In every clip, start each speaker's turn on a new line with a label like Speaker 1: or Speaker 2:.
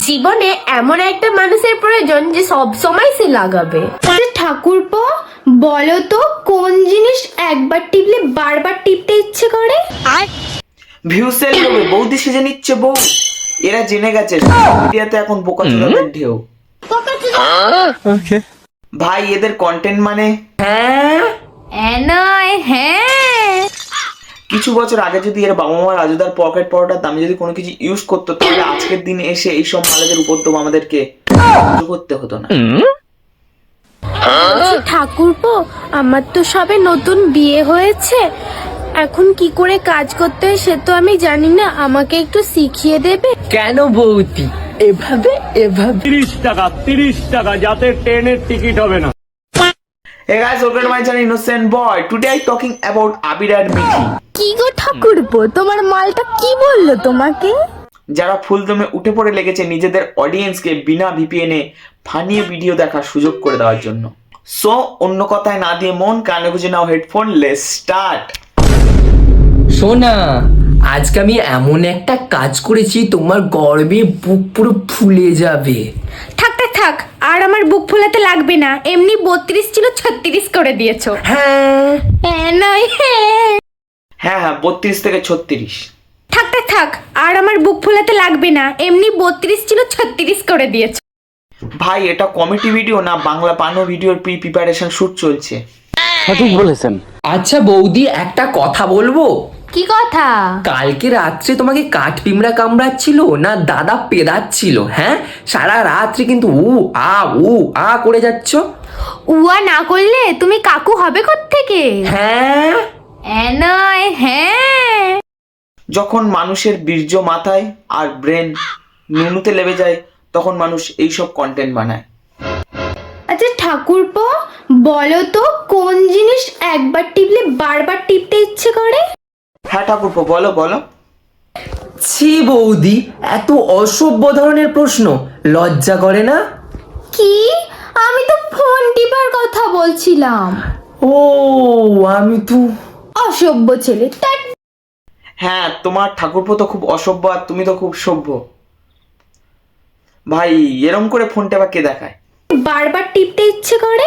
Speaker 1: জীবনে এমন একটা মানুষের প্রয়োজন যে সব সময় সে লাগাবে।
Speaker 2: ঠাকুরপো বলো তো কোন জিনিস একবার টিপলে বারবার টিপতে ইচ্ছে করে?
Speaker 3: ভিউসের লোভে বৌদি সেজে নিচ্ছে বউ। এরা জেনে গেছে মিডিয়াতে এখন বোকাচোদাদের ঢেউ। ভাই এদের কন্টেন্ট মানে কিছু বছর আগে যদি এর বাবা মা রাজুদার পকেট পরোটার দামে যদি কোনো কিছু ইউজ করতো তাহলে আজকের দিনে এসে এইসব মালেদের উপদ্রব আমাদেরকে সহ্য করতে হতো না।
Speaker 1: ঠাকুরপো আমার তো সবে নতুন বিয়ে হয়েছে, এখন কি করে কাজ করতে হয় সে তো আমি জানি না, আমাকে একটু শিখিয়ে দেবে?
Speaker 4: কেন বৌদি এভাবে
Speaker 5: 30 টাকা যাতে ট্রেনের টিকিট হবে না।
Speaker 3: Hey guys, welcome to my channel Innocent Boy. Today I'm talking about Abir and Mithi.
Speaker 1: কি গো ঠাকুরপো, তোমার মালটা কি বললো তোমাকে?
Speaker 3: যারা ফুলদমে উঠে পড়ে লেগেছে নিজেদের অডিয়েন্সকে বিনা ভিপিএন এ ফানিয়ে ভিডিও দেখার সুযোগ করে দেওয়ার জন্য। সো অন্য কথায় না দিয়ে মন কানে গুঁজে নাও হেডফোন, লেটস স্টার্ট।
Speaker 4: সোনা, আজকে আমি এমন একটা কাজ করেছি তোমার গর্বে বুক পুরো ফুলে যাবে।
Speaker 2: থাক আর আমার বুক ফোলাতে লাগবে না, এমনি 32 ছিল 36 করে দিয়েছো।
Speaker 4: হ্যাঁ
Speaker 3: হ্যাঁ 32 থেকে 36।
Speaker 2: থাক আর আমার বুক ফোলাতে লাগবে না, এমনি 32 ছিল 36 করে দিয়েছো।
Speaker 3: ভাই এটা কমেডি ভিডিও না বাংলা পানো ভিডিওর প্রিপারেশন শুট চলছে।
Speaker 5: সঠিক বলেছেন।
Speaker 4: আচ্ছা বৌদি, একটা কথা বলবো?
Speaker 2: কি কথা?
Speaker 4: কালকে রাত্রে তোমাকে কাঠ পিমড়া কামড়াচ্ছিল না দাদা পেদাচ্ছিল? হ্যাঁ, সারা রাত্রি কিন্তু উ আ করে যাচ্ছ।
Speaker 2: উয়া না করলে তুমি কাকু হবে কোত্থেকে?
Speaker 4: হ্যাঁ
Speaker 3: যখন মানুষের বীর্য মাথায় আর ব্রেন নুনুতে লেবে যায় তখন মানুষ এইসব কন্টেন্ট বানায়।
Speaker 2: আচ্ছা ঠাকুরপো বলো তো কোন জিনিস একবার টিপলে বারবার টিপতে ইচ্ছে করে?
Speaker 3: হ্যাঁ ঠাকুরপো বলো।
Speaker 4: ছি বৌদি, এত অসভ্য ধরনের প্রশ্ন, লজ্জা করে না?
Speaker 2: কি? আমি তো ফোন টিপার কথা বলছিলাম।
Speaker 4: ও আমি তো
Speaker 2: অসভ্য ছেলে।
Speaker 3: হ্যাঁ তোমার ঠাকুরপো তো খুব অসভ্য আর তুমি তো খুব সভ্য। ভাই এরম করে ফোন টেপা কে দেখায়?
Speaker 2: বারবার টিপতে ইচ্ছে করে।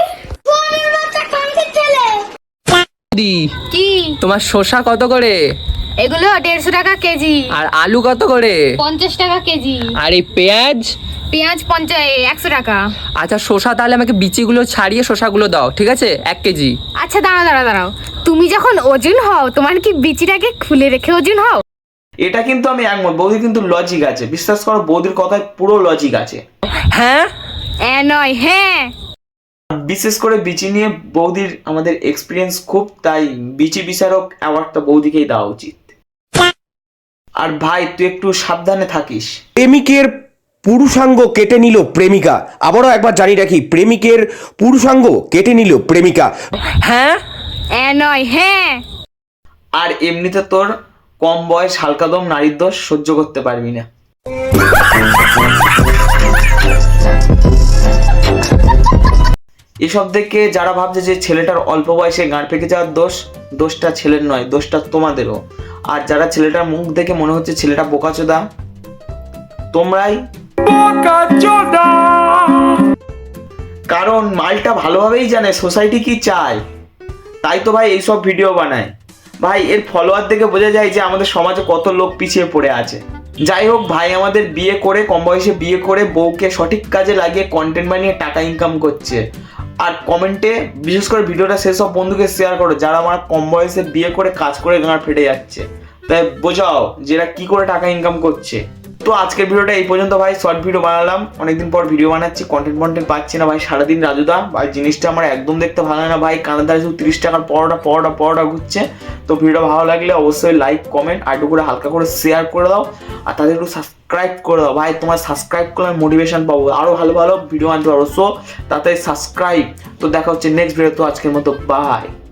Speaker 4: কি তোমার শসা কত করে?
Speaker 2: এগুলো 150 টাকা কেজি।
Speaker 4: আর আলু কত করে?
Speaker 2: 50 টাকা কেজি।
Speaker 4: আর এই পেঁয়াজ?
Speaker 2: পেঁয়াজ 100 টাকা।
Speaker 4: আচ্ছা শসা তাহলে আমাকে বিচিগুলো ছাড়িয়ে শসাগুলো দাও, ঠিক আছে? 1 কেজি।
Speaker 2: আচ্ছা দাঁড়াও, তুমি যখন ওজন হও তোমার কি বিচিটাকে খুলে রেখে ওজন হও?
Speaker 3: এটা কিন্তু আমি একমত, বৌদির কিন্তু লজিক আছে, বিশ্বাস করো বৌদির কথায় পুরো লজিক আছে।
Speaker 4: হ্যাঁ
Speaker 2: হ্যাঁ
Speaker 3: বিশেষ করে বিচি নিয়ে বৌদির আমাদের এক্সপিরিয়েন্স খুব, তাই বিচি বিচারক অ্যাওয়ার্ডটা বৌদিকেই দেওয়া উচিত। আর ভাই তুই একটু সাবধানে থাকিস।
Speaker 6: প্রেমিকের পুরুষাঙ্গ কেটে নিল প্রেমিকা। আবারও একবার জানি রাখি, প্রেমিকের পুরুষাঙ্গ কেটে নিল প্রেমিকা।
Speaker 4: হ্যাঁ
Speaker 2: হ্যাঁ
Speaker 3: আর এমনিতে তোর কম বয়স হালকাদম নারীর দোষ সহ্য করতে পারবি না। এসব দেখে যারা ভাবছে যে ছেলেটার অল্প বয়সে গাঁড় পেকে যাওয়ার দোষটা ছেলের নয়, দোষটা তোমাদেরও। আর যারা ছেলেটার মুখ দেখে মনে হচ্ছে ছেলেটা বোকাচোদা, তোমরাই। কারণ মালটা ভালোভাবেই জানে সোসাইটি কি চায়, তাই তো ভাই এইসব ভিডিও বানায়। ভাই এর ফলোয়ার দেখে বোঝা যায় যে আমাদের সমাজে কত লোক পিছিয়ে পড়ে আছে। যাই হোক ভাই আমাদের বিয়ে করে কম বয়সে বিয়ে করে বউকে সঠিক কাজে লাগিয়ে কন্টেন্ট বানিয়ে টাকা ইনকাম করছে। আর কমেন্টে বিশেষ করে ভিডিওটা সেসব বন্ধুকে শেয়ার করো যারা আমার কম বয়সে বিয়ে করে কাজ করে গাঁড় ফেটে যাচ্ছে, তাই বোঝাও যেটা কি করে টাকা ইনকাম করছে। তো আজকের ভিডিওটা এই পর্যন্ত ভাই, শর্ট ভিডিও বানালাম, অনেকদিন পর ভিডিও বানাচ্ছি, কন্টেন্ট পাচ্ছি না ভাই সারাদিন রাজুদা। ভাই জিনিসটা আমার একদম দেখতে ভালো লাগে না ভাই, কানের ধারে শুধু 30 টাকার পরোটা ঘুরছে। তো ভিডিও ভালো লাগলে অবশ্যই লাইক কমেন্ট আর একটু করে হালকা করে শেয়ার করে দাও, আর তাদের একটু সাবস্ক্রাইব করে দাও ভাই, তোমার সাবস্ক্রাইব করলে মোটিভেশন পাবো, আরও ভালো ভিডিও আনতে পারবো। সো তাতে সাবস্ক্রাইব। তো দেখা হচ্ছে নেক্সট ভিডিও, তো আজকের মতো বাই।